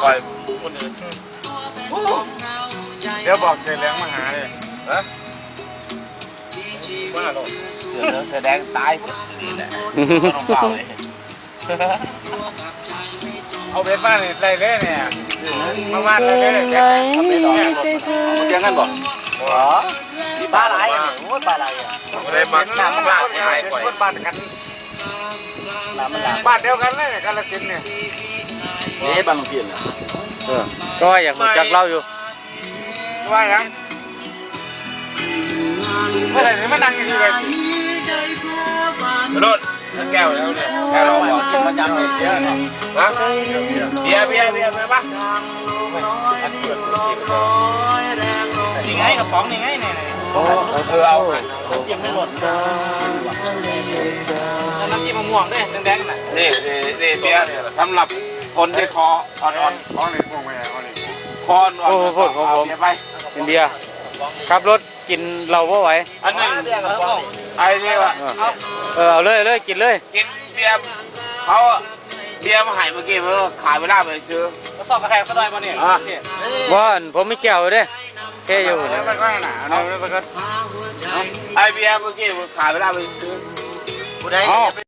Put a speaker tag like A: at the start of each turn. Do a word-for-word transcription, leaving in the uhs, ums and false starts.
A: ปล่อยคนอื่น
B: เดี๋ยวบอกเสือเหลืองมาหาเลยฮะมาหรอ
A: เสือเหลืองเสือแดงตายนี่แหละน้องเปล่าเลย
B: เอาเบ็ดมาเนี่ยไรเลยเนี่ยมาบ้านเลยเลยเนี่ยเอาเบ็ดออกเนี่ยเตียงกันบ่หัว
A: มีปลาไหลอ่ะโอ้ยปลาไหลอ่ะเลยมาหน้ามันหน้าเสียหายก่อน
B: บ้านกันบ้านเดียวกันเลยกาฬสินธุ์เนี่ย
A: นี่บ้านหลวงพี่นะ
C: เออก็อยากรู้จักเล่าอยู่
B: ว่าอย่างเมื่อไหร่จะมานั่งอยู่ที่ไหน
A: รถแก้วแล้วเนี่ยแก้วเราบอกกินประจำเลยเยอะเนาะฮะเบียร์เบียร์เบียร์เบียร์ปะนี่ไงกระป๋องนี่ไงเนี่ยเออเอาน้ำจิ้มไม่หมด
B: น้ำจิ้มมะม่วงด้วยแดงๆน่ะ
A: นี่นี่นี่เบียร์สำหรับคนที่คออ่อน
B: ๆของนี่พวกแม่ของนี่
A: คออ่อน
C: โอ้โหของผม
A: ไป
C: อินเดียขับรถกินเราว่าไหว
A: อันนั้นไอ้นี่วะ
C: เออเอาเลยเลยกินเลย
A: กินเบียร์เขาเบียร์มาหายเมื่อกี้เมื่อขายเวลาไปซื้อ
B: ก็สอบกระแทกซะหน่อยมาเนี่ย
C: ว่าผมไม่แก้วเลยแค่อยู่
B: ไปก็หนาเอาไปก็
A: ไอเบียร์เมื่อกี้ขายเวลาไปซื้อ